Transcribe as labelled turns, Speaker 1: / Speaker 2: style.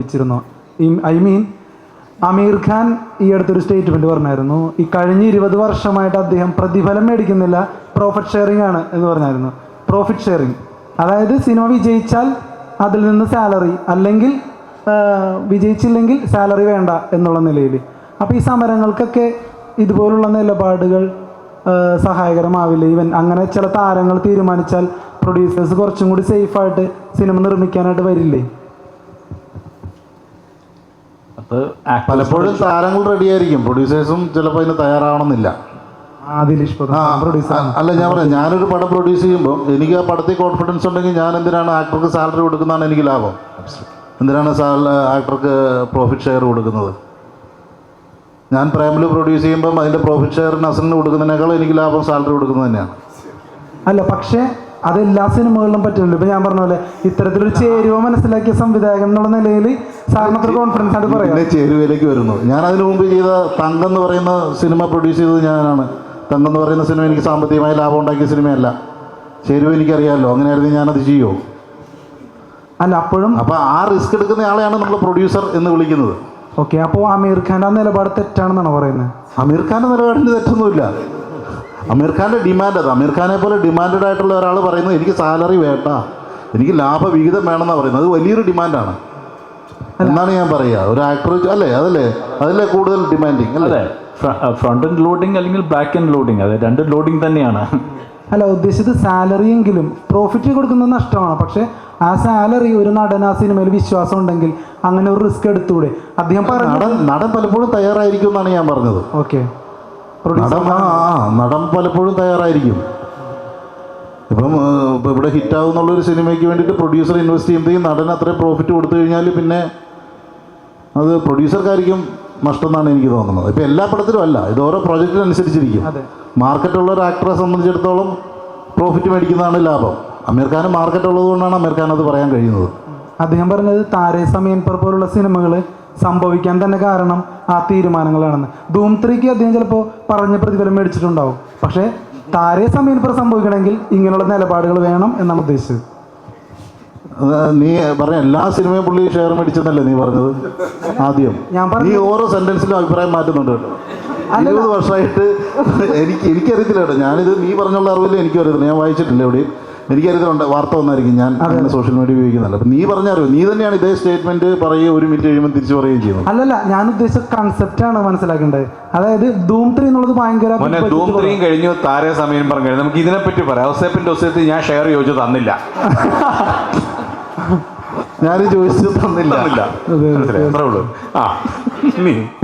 Speaker 1: ശ്രമിച്ചിരുന്നോ? I mean അമീർ ഖാൻ ഈ അടുത്തൊരു statement പറഞ്ഞായിരുന്നു, ഈ കഴിഞ്ഞ 20 വർഷമായിട്ട് അദ്ദേഹം പ്രതിഫലം മേടിക്കുന്നില്ല, പ്രോഫിറ്റ് ഷെയറിംഗ് ആണ് എന്ന് പറഞ്ഞായിരുന്നു. പ്രോഫിറ്റ് ഷെയറിംഗ് അതായത് സിനിമ വിജയിച്ചാൽ അതിൽ നിന്ന് സാലറി, അല്ലെങ്കിൽ വിജയിച്ചില്ലെങ്കിൽ സാലറി വേണ്ട എന്നുള്ള നിലയിൽ. അപ്പോൾ ഈ സമരങ്ങൾക്കൊക്കെ ഇതുപോലുള്ള നിലപാടുകൾ സഹായകരമാവില്ല? ഈവൻ അങ്ങനെ ചില താരങ്ങൾ തീരുമാനിച്ചാൽ പ്രൊഡ്യൂസേഴ്സ് കുറച്ചും കൂടി സേഫായിട്ട് സിനിമ നിർമ്മിക്കാനായിട്ട് വരില്ലേ?
Speaker 2: പലപ്പോഴും താരങ്ങൾ റെഡിയായിരിക്കും, പ്രൊഡ്യൂസേഴ്സും ചിലപ്പോൾ അതിന് തയ്യാറാവണമെന്നില്ല. അല്ല, ഞാൻ പറയാം, ഞാനൊരു പടം പ്രൊഡ്യൂസ് ചെയ്യുമ്പോൾ എനിക്ക് ആ പടത്തിൽ കോൺഫിഡൻസ് ഉണ്ടെങ്കിൽ ഞാൻ എന്തിനാണ് ആക്ടർക്ക് സാലറി കൊടുക്കുന്നതാണ് എനിക്ക് ലാഭം? എന്തിനാണ് ആക്ടർക്ക് പ്രോഫിറ്റ് ഷെയർ കൊടുക്കുന്നത്? ഞാൻ പ്രേമിൽ പ്രൊഡ്യൂസ് ചെയ്യുമ്പം അതിൻ്റെ പ്രോഫിറ്റ് ഷെയർ നസലിന് കൊടുക്കുന്നതിനേക്കാൾ എനിക്ക് ലാഭം സാലറി കൊടുക്കുന്നത് തന്നെയാണ്.
Speaker 1: അല്ല, പക്ഷേ അതെല്ലാ സിനിമകളിലും പറ്റുന്നില്ല. ഇപ്പം ഞാൻ പറഞ്ഞ പോലെ ഇത്തരത്തിലൊരു ചേരുവ മനസ്സിലാക്കിയ സംവിധായകൻ എന്നുള്ള നിലയിൽ സാറിനത്ര കോൺഫിഡൻസ് ആയിട്ട് പറയാം.
Speaker 2: പിന്നെ ചേരുവയിലേക്ക് വരുന്നു. ഞാൻ അതിനു മുമ്പ് ചെയ്ത തങ്കം എന്ന് പറയുന്ന സിനിമ പ്രൊഡ്യൂസ് ചെയ്തത് ഞാനാണ്. തങ്കം എന്ന് പറയുന്ന സിനിമ എനിക്ക് സാമ്പത്തികമായി ലാഭം ഉണ്ടാക്കിയ സിനിമയല്ല. ചേരുവ എനിക്കറിയാമല്ലോ, അങ്ങനെയായിരുന്നു ഞാനത് ചെയ്യുമോ?
Speaker 1: അല്ല, അപ്പോഴും
Speaker 2: അപ്പോൾ ആ റിസ്ക് എടുക്കുന്ന ആളെയാണ് നമ്മൾ പ്രൊഡ്യൂസർ എന്ന് വിളിക്കുന്നത്.
Speaker 1: ഓക്കെ, അപ്പോൾ അമീർ ഖാൻ്റെ ആ നിലപാട് തെറ്റാണെന്നാണ് പറയുന്നത്?
Speaker 2: അമീർ ഖാൻ്റെ നിലപാടിന് തെറ്റൊന്നുമില്ല. അമീർ ഖാൻ്റെ ഡിമാൻഡ് അത്. അമീർ ഖാനെ പോലെ ഡിമാൻഡഡ് ആയിട്ടുള്ള ഒരാൾ പറയുന്നത് എനിക്ക് സാലറി വേണ്ട, എനിക്ക് ലാഭവിഹിതം വേണമെന്നാണ് പറയുന്നത്. അത് വലിയൊരു ഡിമാൻഡാണ് എന്നാണ് ഞാൻ പറയുക. ഒരു ആക്ടർ അതല്ലേ കൂടുതൽ ഡിമാൻഡിങ് അല്ലേ?
Speaker 3: ഫ്രണ്ട് എൻഡ് ലോഡിങ് അല്ലെങ്കിൽ ബാക്ക് എൻഡ് ലോഡിങ്, അത് രണ്ട് ലോഡിങ് തന്നെയാണ്.
Speaker 1: അല്ല, ഉദ്ദേശിച്ചത് സാലറി എങ്കിലും പ്രോഫിറ്റ് കൊടുക്കുന്നത് നഷ്ടമാണ്. പക്ഷേ ആ സാലറി ഒരു നടൻ ആ സിനിമയിൽ വിശ്വാസം ഉണ്ടെങ്കിൽ അങ്ങനെ ഒരു റിസ്ക് എടുത്തുകൂടെ? അദ്ദേഹം
Speaker 2: നടൻ പലപ്പോഴും തയ്യാറായിരിക്കും എന്നാണ് ഞാൻ പറഞ്ഞത്.
Speaker 1: ഓക്കെ,
Speaker 2: നടൻ പലപ്പോഴും തയ്യാറായിരിക്കും. ഇപ്പം ഇവിടെ ഹിറ്റാവും എന്നുള്ളൊരു സിനിമയ്ക്ക് വേണ്ടിയിട്ട് പ്രൊഡ്യൂസർ ഇൻവെസ്റ്റ് ചെയ്യുമ്പോഴത്തേക്കും നടൻ അത്രയും പ്രോഫിറ്റ് കൊടുത്തു കഴിഞ്ഞാൽ പിന്നെ അത് പ്രൊഡ്യൂസർക്കായിരിക്കും നഷ്ടം എന്നാണ് എനിക്ക് തോന്നുന്നത്. ഇപ്പം എല്ലാ പടത്തിലും അല്ല, ഇത് ഓരോ പ്രോജക്റ്റിനനുസരിച്ചിരിക്കും. മാർക്കറ്റുള്ള ഒരു ആക്ടറെ സംബന്ധിച്ചിടത്തോളം പ്രോഫിറ്റ് മേടിക്കുന്നതാണ് ലാഭം. അമീർ ഖാന് മാർക്കറ്റ് ഉള്ളത് കൊണ്ടാണ് അമീർ ഖാൻ അത് പറയാൻ കഴിയുന്നത്.
Speaker 1: അദ്ദേഹം പറഞ്ഞത് താരേ സമയൻ പർ പോലുള്ള സിനിമകൾ സംഭവിക്കാൻ തന്നെ കാരണം ആ തീരുമാനങ്ങളാണെന്ന്. ധൂം 3ക്ക് അദ്ദേഹം ചിലപ്പോൾ പറഞ്ഞ പ്രതിഫലം മേടിച്ചിട്ടുണ്ടാവും. പക്ഷേ താരേ സമയൻ പർ സംഭവിക്കണമെങ്കിൽ ഇങ്ങനെയുള്ള നിലപാടുകൾ വേണം എന്നാണ് ഉദ്ദേശിച്ചത്.
Speaker 2: നീ പറഞ്ഞ എല്ലാ സിനിമയും പുള്ളി ഷെയർ മേടിച്ചെന്നല്ലേ നീ പറഞ്ഞത് ആദ്യം? നീ ഓരോ സെന്റൻസിലും അഭിപ്രായം മാറ്റുന്നുണ്ട് കേട്ടോ. 20 വർഷമായിട്ട് എനിക്കറിയത്തില്ല കേട്ടോ. ഞാനിത് നീ പറഞ്ഞുള്ള അറിവില്ല, എനിക്കും അറിയത്തില്ല. ഞാൻ വായിച്ചിട്ടില്ല എവിടെയും. എനിക്കറിയത്തിലുണ്ട്, വാർത്ത വന്നായിരിക്കും. ഞാൻ അങ്ങനെ സോഷ്യൽ മീഡിയ ഉപയോഗിക്കുന്നില്ല. അപ്പം നീ പറഞ്ഞറിയോ, നീ തന്നെയാണ് ഇതേ സ്റ്റേറ്റ്മെന്റ് പറയുകയും 1 മിനിറ്റ് കഴിയുമ്പോൾ തിരിച്ചു പറയുകയും ചെയ്യുന്നത്.
Speaker 1: അല്ലല്ല, ഞാൻ ഉദ്ദേശിച്ച കൺസെപ്റ്റാണ് മനസ്സിലാക്കേണ്ടത്. അതായത് ധൂം 3 എന്നുള്ളത് ഭയങ്കര
Speaker 4: ധൂം 3 കഴിഞ്ഞു, താരേ സമയം പറഞ്ഞു. നമുക്ക് ഇതിനെപ്പറ്റി പറയാം. ഔസേപ്പിന്റെ ഒസേത്തിൽ ഞാൻ ഷെയർ ചോദിച്ചു തന്നില്ല.
Speaker 2: ഞാനും ചോദിച്ചു തന്നില്ല.
Speaker 4: അത്രേ ഉള്ളൂ.